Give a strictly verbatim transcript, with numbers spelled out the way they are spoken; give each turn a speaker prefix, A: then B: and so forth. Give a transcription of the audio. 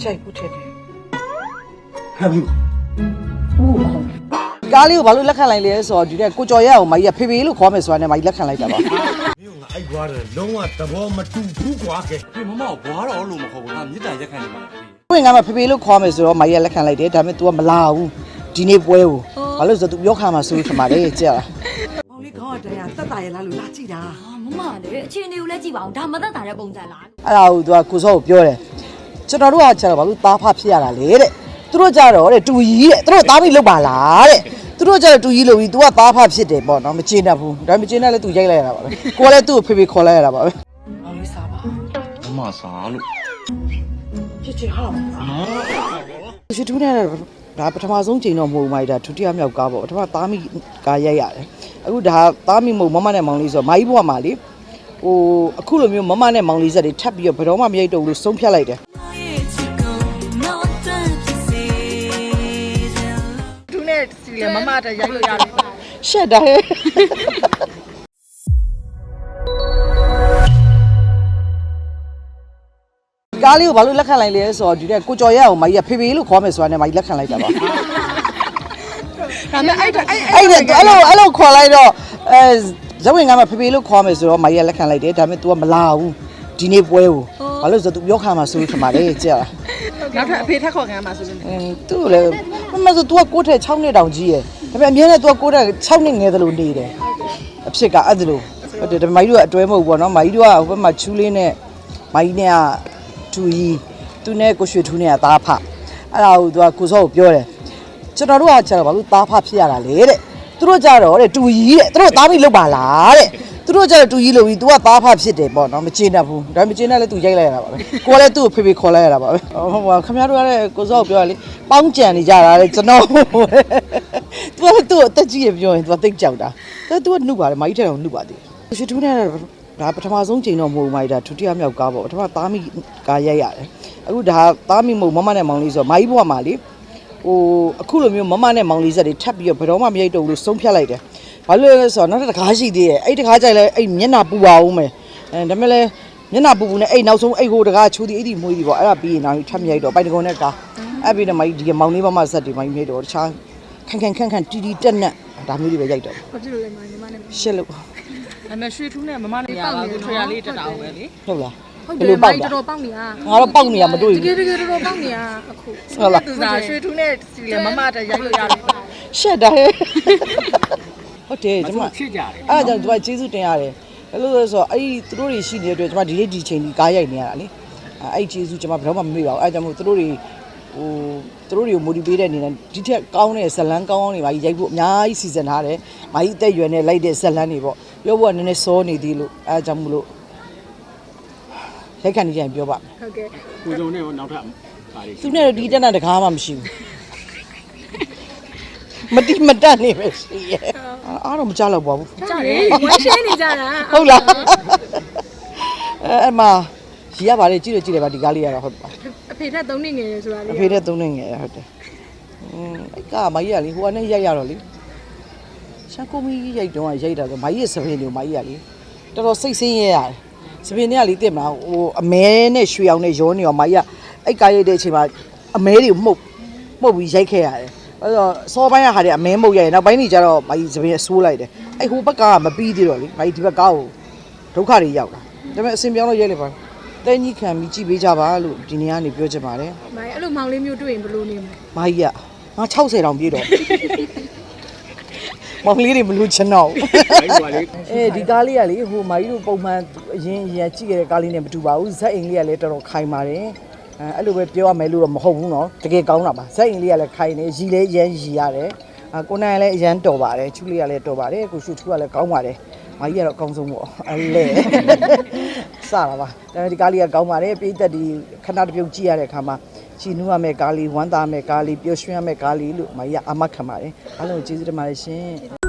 A: ကြိုက်ဘူးထင်တယ်
B: ဟဲ့ဘူး
A: ကားလေးကိုဘာလို့လက်ခံလိုက်လဲဆိုတော့ဒီတဲ့ကိုကျော်ရဲအောင်မကြီးကဖေဖေလို့ခေါ်မယ်ဆိုတာနဲ့မကြီးလက်ခံလိုက်တာပါ
B: မင်းကအိုက်ကွာတယ်လုံးဝသဘောမတူဘူးကွာကဲ
C: ဖေမမကိုဘွားတော်လို့မဟုတ်ဘူးငါမြစ်တိုင်ရက်ခံနေမှာလေ
A: ကိုင်ကမှဖေဖေလို့ခေါ်မယ်ဆိုတော့မကြီးကလက်ခံလိုက်တယ်ဒါပေမဲ့ तू ကမလာဘူးဒီနေ့ပွဲကိုဘာလို့ဆိုတော့ तू ပြောခါမှာဆိုထမှာလေကြာ
D: မောင်လေးခေါင်းကတရားတက်တာရလားလို့လာကြည့်တာ
E: 啊，妈妈嘞，အခြေအနေကိုလည်းကြည့်ပါအောင်ဒါမသက်တာတဲ့ပုံစံလား
A: အဲ့ဒါကို तू ကကိုစောကိုပြောတယ်ကျွန်တော်တို့ကကျတော့ဘာလို့သားဖဖြစ်ရတာလဲတဲ့သူတို့ကြတော့တဲ့တူကြီးတဲ့သူတို့သားမိလောက်ပါလားတဲ့သူတို့ကြတော့တူကြီးလို့ပြီး तू ကသားဖဖြစ်တယ်ပေါ့နော်မကျေနပ်ဘူးဒါမကျေနပ်လဲ तू ရိုက်လိုက်ရတာပါပဲကိုကလည်းသူ့ကိုဖေဖေခေါ်လိုက်ရတာပါပဲ
D: မောင်လေးစားပါ
C: မမစားလို့
D: ချစ်ချစ်ဟာ
A: ရွှေထူးနဲ့ဒါပထမဆုံးချိန်တော့မဟုတ်ဘူးမိုက်ဒါဒုတိယမြောက်ကားပေါ့ပထမသားမိကားရိုက်ရတယ်အခုဒါသားမိမဟုတ်မမနဲ့မောင်လေးဆိုတော့မာကြီးဘွားမှာလေဟိုအခုလိုမျိုးမမနဲ့မောင်လေးဆက်တွေထပ်ပြီးတော့ဘယ်တော့မှမရိုက်တော့ဘူးလို့ဆုံးဖြတ်လိုက်တယ်သူနဲ့စီလေမမတရိုက်လို့ရတယ်ရှက်တာဟဲ့ကားလေးကိုဘာလို့လက်ခံလိုက်လဲဆိုတော့ဒီတဲ့ကိုကျော်ရဲအောင်မကြီးကဖေဖေလို့ခေါ်မယ်ဆိုတာနဲ့မကြီးလက်ခံလိုက်တာပါ
D: ဒါမဲ့အဲ့အဲ့
A: အဲ့ဒါအဲ့လိုအဲ့လိုခေါ်လိုက်တော့အဲဇဝင်ကမှဖေဖေလို့ခေါ်မယ်ဆိုတော့မကြီးကလက်ခံလိုက်တယ်ဒါပေမဲ့ तू ကမလာဘူးဒီနေ့ပွဲကိုဘာလို့ဆိုတော့ तू ပြောခါမှာဆိုထမှာလေကြာ
D: နောက်ထပ်အဖေထက်ခေါ်ခံမှာဆိုလို့
A: အင်းသူ့လည်းမမဆို तू ကကိုယ့်ထက်6နှစ်တောင်ကြီးရယ်ဒါပေမဲ့အမြဲတမ်း तू ကကိုယ့်ထက်6နှစ်ငယ်သလိုနေတယ်အဖြစ်ကအဲ့ဒါလိုဟုတ်တယ်ဒါမကြီးတို့ကအတွဲမဟုတ်ဘူးပေါ့နော်မကြီးတို့ကဟိုဘက်မှာချူးလေးနဲ့မကြီးနဲ့ကတူကြီးသူနဲ့ကိုရွှေထူးနဲ့ကသားဖအဲ့ဒါကို तू ကကိုစောကိုပြောတယ်ကျွန်တော်တို့ကကျတော့ဘာလို့သားဖဖြစ်ရတာလဲတဲ့သူတို့ကြတော့တဲ့တူကြီးတဲ့သူတို့သားမိလောက်ပါလားတဲ့သူတို့ကြတော့တူကြီးလို့ပြီး तू ကသားဖဖြစ်တယ်ပေါ့နော်မကျေနပ်ဘူးဒါမကျေနပ်လဲ तू ရိုက်လိုက်ရတာပါပဲကိုကလည်းသူ့ကိုဖေဖေခေါ်လိုက်ရတာပါပဲဟုတ်ပါခင်ဗျားတို့ကလည်းကိုစောကိုပြောရလေပေါင်းကြံနေကြတာလေကျွန်တော် तू ကသူ့အသက်ကြီးရပြောရင် तू သိကြောက်တာဒါ तू ကနှုတ်ပါတယ်မကြီးထဲတော့နှုတ်ပါသေးတယ်ရွှေထူးနဲ့ဒါပထမဆုံးချိန်တော့မဟုတ်ဘူးမိုက်ဒါဒုတိယမြောက်ကားပေါ့ပထမသားမိကားရိုက်ရတယ်အခုဒါသားမိမဟုတ်မမနဲ့မောင်လေးဆိုတော့မာကြီးဘွားမှာလေဟိုအခုလိုမျိုးမမနဲ့မောင်လေးဆက်တွေထပ်ပြီးတော့ဘယ်တော့မှမရိုက်တော့ဘူးလို့ဆုံးဖြတ်လိုက်တယ်ဘာလို့လဲဆိုတော့နောက်တစ်ခါရှိသေးတယ်အဲ့တစ်ခါကြိုက်လဲအဲ့မျက်နှာပူပါအောင်မယ်အဲဒါမဲ့လဲမျက်နှာပူပူနဲ့အဲ့နောက်ဆုံးအဲ့ဟိုတကားချိုးသည်အဲ့ဒီမွေးသည်ပေါ့အဲ့ဒါပြီးရင်နောက်ထပ်မရိုက်တော့ပိုင်တကုံနဲ့ကားအဲ့ပြီးတော့မာကြီးဒီမောင်လေးမမဆက်တွေမာကြီးမြိုက်တော့တခြားခန့်ခန့်ခန့်ခန့်တီတီတက်နဲ့ဒါမျိုးတွေပဲရိုက်တော့
D: ဘာဖြစ်လို့လဲညီမနဲ့
A: ရှစ်လို့
D: အမေရွှေထူးနဲ့မမနဲ့ပေါက်နေထွေရလေးတက်တာပဲလေ
A: ဟုတ်လား
D: ဟုတ်တယ်မိုင်းတော်တော်ပေါက်နေရ
A: ငါတော့ပေါက်နေရမတွေ့
D: တကယ်
A: ဘူး
D: တကယ်တော်တော်ပေါက်နေရအခု
A: ဟုတ်လား
D: သူစားရွှေထူးနဲ့စီလေမမတရိုက်လို့ရတယ်
A: ရှက်တာဟဲ့ဟုတ်တယ်ကျမ
C: ချစ်ကြတယ်
A: အဲ့ဒါကြောင့်ကျမကျေးဇူးတင်ရတယ်ဘယ်လိုလဲဆိုတော့အဲ့ဒီသူတို့တွေရှိနေတဲ့အတွက်ကျမဒီနေ့ဒီချိန်ဒီကားရိုက်နေရတာလေအဲ့ဒီကျေးဇူးကျမဘယ်တော့မှမမေ့ပါဘူးအဲ့ဒါကြောင့်မို့သူတို့တွေဟိုသူတို့တွေကို motivate တဲ့အနေနဲ့ဒီထက်ကောင်းတဲ့ဇလန်းကောင်းကောင်းတွေပါရိုက်ဖို့အများကြီးစီစဉ်ထားတယ်မာကြီးအသက်အရွယ်နဲ့လိုက်တဲ့ဇလန်းတွေပေါ့ပြောဖို့ကနည်းနည်းစောနေသေးလို့အဲ့ဒါကြောင့်မို့လို့ရိုက်ခံနေကြရင်ပြောပါမယ်
D: ဟုတ်ကဲ့
C: ကိုစုံနဲ့နောက်ထပ်ပါလေ
A: သူနဲ့ဒီတက်တာတကားမှမရှိဘူးမတိမတက်နေပဲရှိရဲ့အားတော့မကြောက်တော့ပါဘူး
D: ကြားတယ်ဝမ်းရှင်းနေကြတာ
A: ဟုတ်လားအဲအမရီရပါလေကြည့်လို့ကြည့်တယ်ပါဒီကားလေးရတော့ဟုတ်ပါ
D: အဖေထက်သုံးနေငယ်ရယ်ဆိုတာလေ
A: အဖေနဲ့သုံးနေငယ်ဟုတ်တယ်อืมအဲ့ကမကြီးကလေဟိုကနေရိုက်ရတော့လေရှန်ကိုမီရိုက်တော့ရိုက်တာဆိုမကြီးရဲ့စပင်းတွေကိုမကြီးကလေတော်တော်စိတ်ဆင်းရဲရတယ်စပင်းတွေကလေတက်မလားဟိုအမဲနဲ့ရွှေအောင်နဲ့ရောနေရောမကြီးကအဲ့ကားရိုက်တဲ့အချိန်မှာအမဲတွေကိုမှုတ်မှုတ်ပြီးရိုက်ခဲ့ရတယ်အဲ့တော့စောပိုင်းကဟာတွေအမဲမှုတ်ရိုက်ရနောက်ပိုင်းတွေကျတော့မကြီးစပင်းဆိုးလိုက်တယ်အဲ့ဟိုဘက်ကမပြီးသေးတော့လေမကြီးဒီဘက်ကားကိုဒုက္ခတွေရောက်တာဒါပေမဲ့အစင်ပြောင်းလို့ရိုက်လိုက်ပါတဲကြီးခံပြီးကြည့်ပေးကြပါလို့ဒီနေ့ကနေပြောချင်ပါတယ်
D: မိုင်းအဲ့လိုမောင်လေးမျိုးတွေ့ရင်ဘယ်လိုနေမလဲ
A: ။မာကြီးကငါ60တောင်ပြည့်တော့မောင်လေးတွေမလို့ချင်တော့
C: အဲ့ဒီပါလေ
A: ။အဲဒီကားလေးကလေဟိုမာကြီးတို့ပုံမှန်အရင်အရင်ကြည့်ခဲ့တဲ့ကားလေးနဲ့မတူပါဘူး။ဇက်အိမ်လေးကလည်းတော်တော်ခိုင်ပါတယ်။အဲအဲ့လိုပဲပြောရမယ်လို့တော့မဟုတ်ဘူးနော်။တကယ်ကောင်းတာပါ။ဇက်အိမ်လေးကလည်းခိုင်နေရီလေးရမ်းရီရတယ်။အကိုနိုင်ကလည်းအရန်တော်ပါတယ်။ချူလေးကလည်းတော်ပါတယ်။ကိုရှုထူကလည်းကောင်းပါတယ်။မာကြီးကတော့အကောင်းဆုံးပေါ့။အဲလေစတာပါ။အဲဒီကားလေးကကောင်းပါတယ်။ပြည်သက်ဒီခဏတစ်ပြုတ်ကြည့်ရတဲ့အခါမှာချီနူးရမယ့်ကားလေးဝမ်းသာမယ့်ကားလေးပျော်ရွှင်ရမယ့်ကားလေးလို့မကြီးကအမတ်ခံပါတယ်အားလုံးကျေးဇူးတင်ပါတယ်ရှင်